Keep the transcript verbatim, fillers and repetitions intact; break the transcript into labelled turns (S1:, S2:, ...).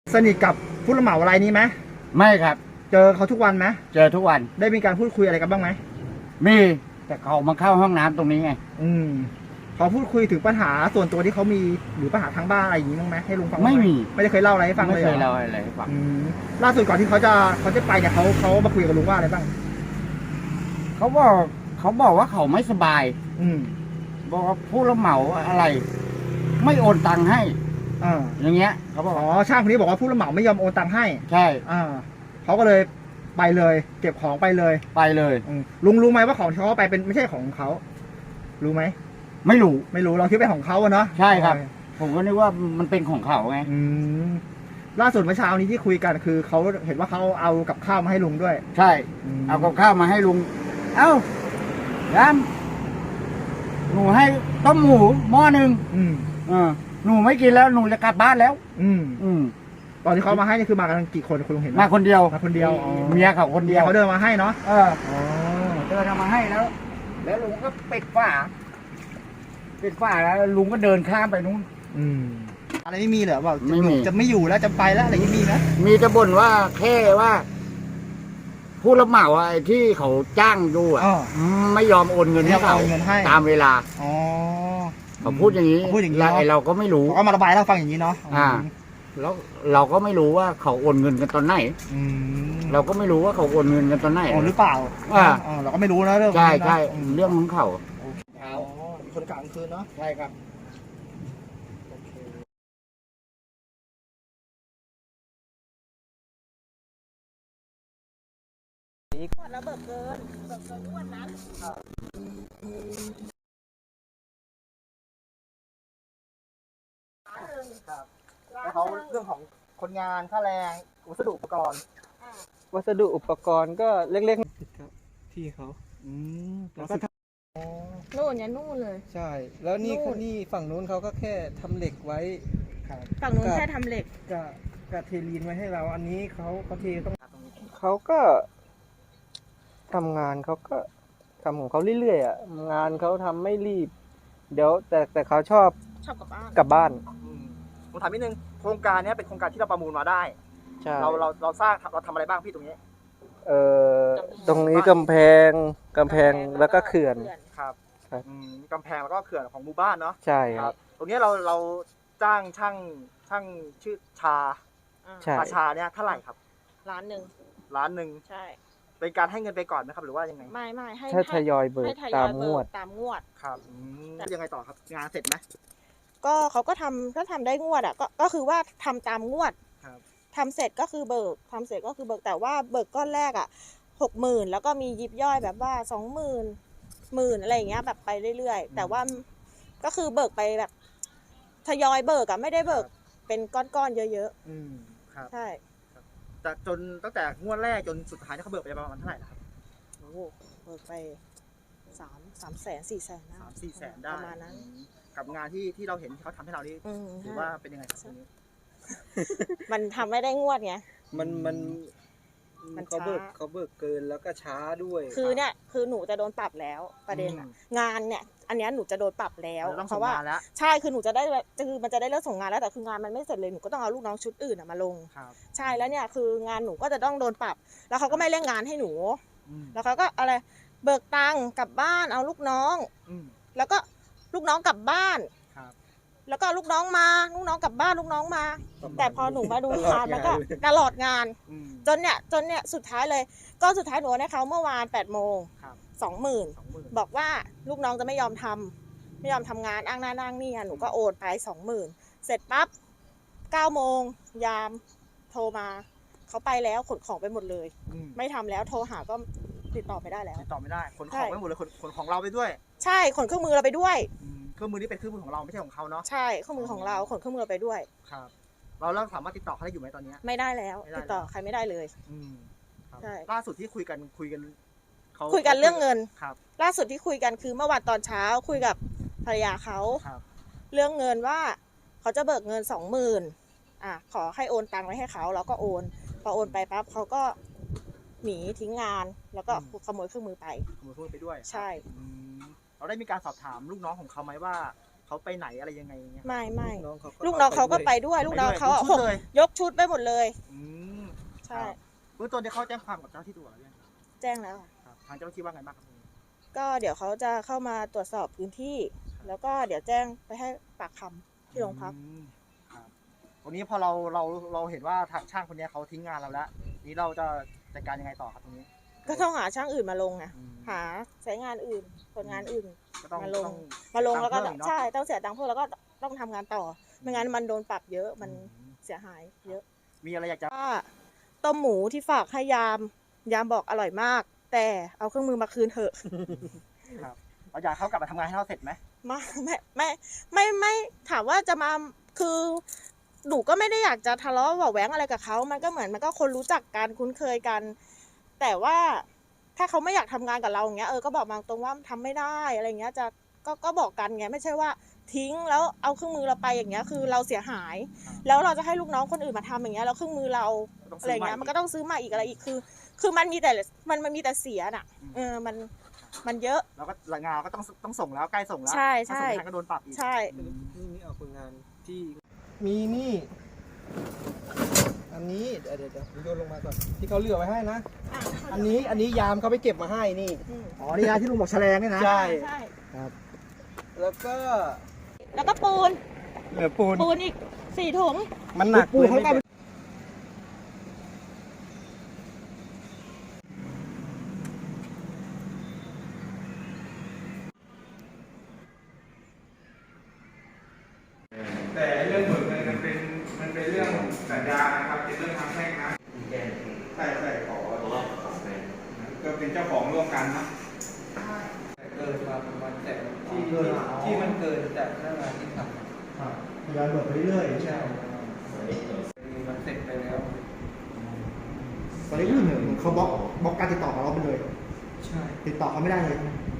S1: สนิทกับผู้รับเหมารายนี้ไหม
S2: ไม่ครับ
S1: เจอเขาทุกวันไหม
S2: เจอทุกวัน
S1: ได้มีการพูดคุยอะไรกันบ้างไหม
S2: มีแต่เขามาเข้าห้องน้ำตรงนี้ไง
S1: อืมเขาพูดคุยถึงปัญหาส่วนตัวที่เขามีหรือปัญหาทางบ้านอะไรอย่างนี้บ้างไหมให้ลุงฟัง
S2: ไม่มี
S1: ไม่ได้เคยเล่าอะไรให้ฟังเลย
S2: ไม่เคยเล่าอะไรให้ฟัง
S1: ล่าสุดก่อนที่เขาจะเขาจะไปเนี่ยเขาเขามาคุยกับลุงว่าอะไรบ้าง
S2: เขาบอกเขาบอกว่าเขาไม่สบาย
S1: อืม
S2: บอกว่าผู้รับเหมาอะไร ไม่โอนตังค์ให้
S1: อ่า
S2: อย่างเงี้ยเขาบอก
S1: อ๋อช่างคนนี้บอกว่าผู้รับเหมาไม่ยอมโอนตังค์ให้
S2: ใช่
S1: อ่าเขาก็เลยไปเลยเก็บของไปเลย
S2: ไปเลย
S1: ลุงรู้ไหมว่าของที่เขาไปเป็นไม่ใช่ของเขารู้ไหม
S2: ไม่รู้
S1: ไม่รู้เราคิดเป็นของเขาอะเนาะ
S2: ใช่ครับผมก็นึกว่ามันเป็นของเขาไง
S1: อืมล่าสุดเมื่อเช้านี้ที่คุยกันคือเขาเห็นว่าเขาเอากับข้าวมาให้ลุงด้วย
S2: ใช่เอากับข้าวมาให้ลุงเอ้ายำหนูให้ต้มหมูหม้อหนึ่ง
S1: อืม
S2: อ่าหนูไม่กินแล้วหนูจะกลับบ้านแล้ว
S1: อืม
S2: อืม
S1: ตอนที่เขามาให้นี่คือมากันกี่คนคุณลุงเห็น
S2: มาคนเดียว
S1: มาคนเดียว
S2: เมียเขาคนเดียว
S1: เขาเดินมาให้เนาะ
S2: เออเดินมาให้แล้วแล้วลุงก็ปิดฝาปิดฝาแล้วลุงก็เดินข้ามไปนู้น
S1: อืมอะไรไม่มีเหรอว่า
S2: ไม่มี
S1: จะไม่อยู่แล้วจะไปแล้วอะไรไม่มีนะ
S2: มีจะบ่นว่าแค่ว่าผู้รับเหมาไอ้ที่เขาจ้างดูอ่ะไม่ยอมโอนเงินให้เขาตามเวลา
S1: อ๋อ
S2: เขาพูดอย่างนี้
S1: พูดอย่างนี้
S2: ไอ้เราก็ไม่รู้
S1: เขามาระบายเราฟังอย่างนี้เนาะ
S2: อ่าแล้วเราก็ไม่รู้ว่าเขาโอนเงินกันตอนไหนเราก็ไม่รู้ว่าเขาโอนเงินกันตอนไหน
S1: หรือเปล่า
S2: อ่า
S1: เราก็ไม่รู้นะเรื่อง
S2: ใช่ใช่เรื่องของเขา
S1: คนกลางคืนเนาะ
S2: ใช่ครับ
S3: ขวดระเบิดเกินเบิกเกินอ้วนนั้น
S1: แล้วเขาเรื่องของคนงานค่าแรงวัสดุอุปกรณ์
S4: วัสดุอุปกรณ์ก็เล็กๆที่เขา
S1: อืมแล้ว
S3: ก็นู่นเนี่ยนู่นเลย
S4: ใช่แล้วนี่นี่ฝั่งนู้นเขาก็แค่ทำเหล็กไว้
S3: ฝั่งนู้นแค่ทำเหล็ก
S4: กับกับเทลีนไว้ให้เราอันนี้เขาเขาเทต้องเขาก็ทำงานเขาก็ทำของเขาเรื่อยๆอ่ะงานเขาทำไม่รีบเดี๋ยวแต่แต่เขาชอบ
S3: ชอบกลับบ้าน
S4: กลับบ้าน
S1: ผมถามนิดนึงโครงการนี้เป็นโครงการที่เราประมูลมาได้เราเราเราสร้างเราทำอะไรบ้างพี่ตรงนี้
S4: เอ่อตรงนี้กำแพงกำแพงแล้วก็เขื่อน
S1: ครับกำแพงแล้วก็เขื่อนของหมู่บ้านเนาะ
S4: ใช่ครับ
S1: ตรงนี้เราเราจ้างช่างช่างชื่อชาชาชาเนี่ยเท่าไหร่ครับ
S3: ล้านหนึ่ง
S1: ล้านหนึ่ง
S3: ใช่
S1: เป็นการให้เงินไปก่อนไหมครับหรือว่ายังไง
S3: ไม่ไม่ให้
S4: ทยอยเบิกตามงวด
S3: ตามงวด
S1: ครับยังไงต่อครับงานเสร็จไหม
S3: ก็เขาก็ทำก็ทำได้งวดอ่ะก็ก็คือว่าทำตามงวดทำเสร็จก็คือเบิกทำเสร็จก็คือเบิกแต่ว่าเบิกก้อนแรกอ่ะหกหมื่นแล้วก็มียิบย่อยแบบว่าสองหมื่นหมื่นอะไรอย่างเงี้ยแบบไปเรื่อยๆแต่ว่าก็คือเบิกไปแบบทยอยเบิกอะไม่ได้เบิกเป็นก้อนๆเยอะ
S1: ๆอืมครับ
S3: ใช่
S1: จากจนตั้งแต่งวดแรกจนสุดท้ายเขาเบิกไปประมาณเท่าไหร่ครับ
S3: โอ้เบิกไปสามสามแสนสี่แสน
S1: สามสี่แสนได้ประมาณนั้นกับงานที่ที่เราเห็นที่เขาทำให้เรานี่ถือว่าเป็นยังไงครับนี้
S3: มันทำไม่ได้งวดไง
S4: มันมันมันเขาเบิกเขาเบิกเกินแล้วก็ช้าด้วย
S3: คือเนี่ยคือหนูจะโดนปรับแล้วประเด็นอะงานเนี่ยอันนี้หนูจะโดนปรับแล้วเพราะว่าใช่คือหนูจะได้คือมันจะได้เลิกส่งงานแล้วแต่คืองานมันไม่เสร็จเลยหนูก็ต้องเอาลูกน้องชุดอื่นมาลงใช่แล้วเนี่ยคืองานหนูก็จะต้องโดนปรับแล้วเขาก็ไม่เร่งงานให้หนูแล้วเขาก็อะไรเบิกตังค์กลับบ้านเอาลูกน้องแล้วก็ลูกน้องกลับบ้านแล้วก็ลูกน้องมาลูกน้องกลับบ้านลูกน้องมาแต่พอหนูมาดูงานแล้วก็ตลอดงานจนเนี่ยจนเนี่ยสุดท้ายเลยก็สุดท้ายหนูให้เขาเมื่อวานแปดโมงสองหมื่นบอกว่าลูกน้องจะไม่ยอมทำไม่ยอมทำงานอ้างหน้านั่งนี่หนูก็โอนไปสองหมื่นเสร็จปั๊บเก้าโมงยามโทรมาเขาไปแล้วขนของไปหมดเลยไม่ทำแล้วโทรหาก็ติดต่อไม่ได้แล้ว
S1: ติดต่อไม่ได้ขนของไปหมดเลยขนของเราไปด้วย
S3: ใช่ขนเครื่องมือเราไปด้วย
S1: เครื่องมือนี้เป็นเครื่องมือของเราไม่ใช่ของเขาเนาะ
S3: ใช่เครื่องมือของเราขนเครื่องมือเราไปด้วย
S1: ครับเราเริ่มสามารถติดต่อเขาได้อยู่ไหมตอนนี้
S3: ไม่ได้แล้วติดต่อใครไม่ได้เลย
S1: ใช่ล่าสุดที่คุยกันคุยกัน
S3: เขาคุยกันเรื่องเงินครับล่าสุดที่คุยกันคือเมื่อวันตอนเช้าคุยกับภรรยาเขาเรื่องเงินว่าเขาจะเบิกเงินสองหมื่นอ่ะขอให้โอนตังค์ไว้ให้เขาแล้วก็โอนพอโอนไปปั๊บเขาก็หนีทิ้งงานแล้วก็ขโมยเครื่องมือไป
S1: ขโมยเครื่องมือไปด้วย
S3: ใช่
S1: เราได้มีการสอบถามลูกน้องของเขาไหมว่าเขาไปไหนอะไรยังไงอย่างเงี้ย
S3: ไม่ไม่
S4: น้องเขา
S3: ลูกน้องเขาก็ไปด้วย ลูกน้องเขาอะ
S1: ไปด้วย
S3: ยกชุดไปหมดเลย
S1: อืม
S3: ใช่
S1: เบื้องต้นที่เขาแจ้งความกับเจ้าหน้าที่ตำรวจแล้วยังครับ
S3: แจ้งแล้วค่ะ
S1: ครับทางเจ้าหน้าที่ว่าไงบ้างครับตรงนี้
S3: ก็เดี๋ยวเขาจะเข้ามาตรวจสอบพื้นที่ แล้วก็เดี๋ยวแจ้งไปให้ปากคำที่โรงพัก
S1: อืมครับวันนี้พอเราเราเราเห็นว่าทางช่างคนเนี้ยเขาทิ้งงานเราแล้วนี้เราจะจัดการยังไงต่อครับตรงนี้
S3: ก็ต้องหาช่างอื่นมาลงไง
S1: อืม
S3: หาสายงานอื่นคนงานอื่น
S1: ก็ต้อง
S3: มาลง
S1: ต้อง
S3: มาลงแล้วก็
S1: ตามเพิ่มอีกเนอะ
S3: ใช่ต้องเสียตังค์เพิ่มแล้วก็ต้องทำงานต่อไม่งั้นมันโดนปรับเยอะมัน
S1: อืม
S3: เสียหายเยอะ
S1: มีอะไรอยากจะ
S3: ว่าต้มหมูที่ฝากให้ยาม ยามบอกอร่อยมาก แต่เอาเครื่องมือมาคืนเถอะ
S1: ครับเราอยากให้เขากลับมาทำงานให้เราเสร็จไหม
S3: มาไม่ไม่ไม่ไม่ถามว่าจะมาคือหนูก็ไม่ได้อยากจะทะเลาะเบาะแหวงอะไรกับเขามันก็เหมือนมันก็คนรู้จักกันคุ้นเคยกัน แต่ว่าถ้าเขาไม่อยากทำงานกับเราอย่างเงี้ยเออก็บอกมาตรงว่าทำไม่ได้อะไรเงี้ยจะก็ก็บอกกันไงไม่ใช่ว่าทิ้งแล้วเอาเครื่องมือเราไปอย่างเงี้ยคือเราเสียหาย แล้วเราจะให้ลูกน้องคนอื่นมาทำอย่างเงี้ยแล้วเครื่องมือเรา
S1: ต้อง
S3: อะไร
S1: ซื้อใหม่
S3: เงี้ยมันก็ต้องซื้อมาอีกอะไรอีกคือ คือมันมีแต่มันมันมีแต่เสียน่ะเออมันมันเยอะ
S1: แล้วก็งานเราก็ต้องต้องส่งแล้วใกล้ส่งแล้ว
S3: ใช่ใช่
S1: ถ้าส่งไม่ทันก็โดนปรับอีก
S3: ใช่
S1: อืม
S4: นี่นี่เอาคนงานที่มีนี่ อันนี้เดี๋ยวเดี๋ยวเดี๋ยวโยนลงมาก่อนที่เขาเหลือไว้ให้นะ อันนี้อันนี้ยามเขาไปเก็บมาให้นี่
S3: อืม
S1: อ๋อนี่นะที่ลุงบอกแฉลงเนี่ยนะ
S4: ใช่
S3: ใช่
S4: แล้วก็
S3: แล้วก็ปูน
S4: เหลือปูน
S3: ปูนอีกสี่ถุง
S4: มันหนัก
S1: ปูเขาก็
S5: แต่เรื่องเบิกเงินมันเป็นมันเป็นเรื่องสัญญานะครับเป็นเรื่องทางแพ่งนะใช่ใช่ขอก็เป็นเจ้าของร่วมกันนะ
S4: เกินมาประมาณแต่ที่ที่ที่มันเกินจากหน้างานที่ทำ
S6: ทยอยเบิกไปเรื่อยๆ
S4: ใช่มันเสร็จไปแล้ว
S6: ตอนนี้รู้สึกเหมือนเขาบล็อกบล็อกการติดต่อของเราไปเลย
S4: ใช่
S6: ติดต่อเขาไม่ได้เลย
S4: ใ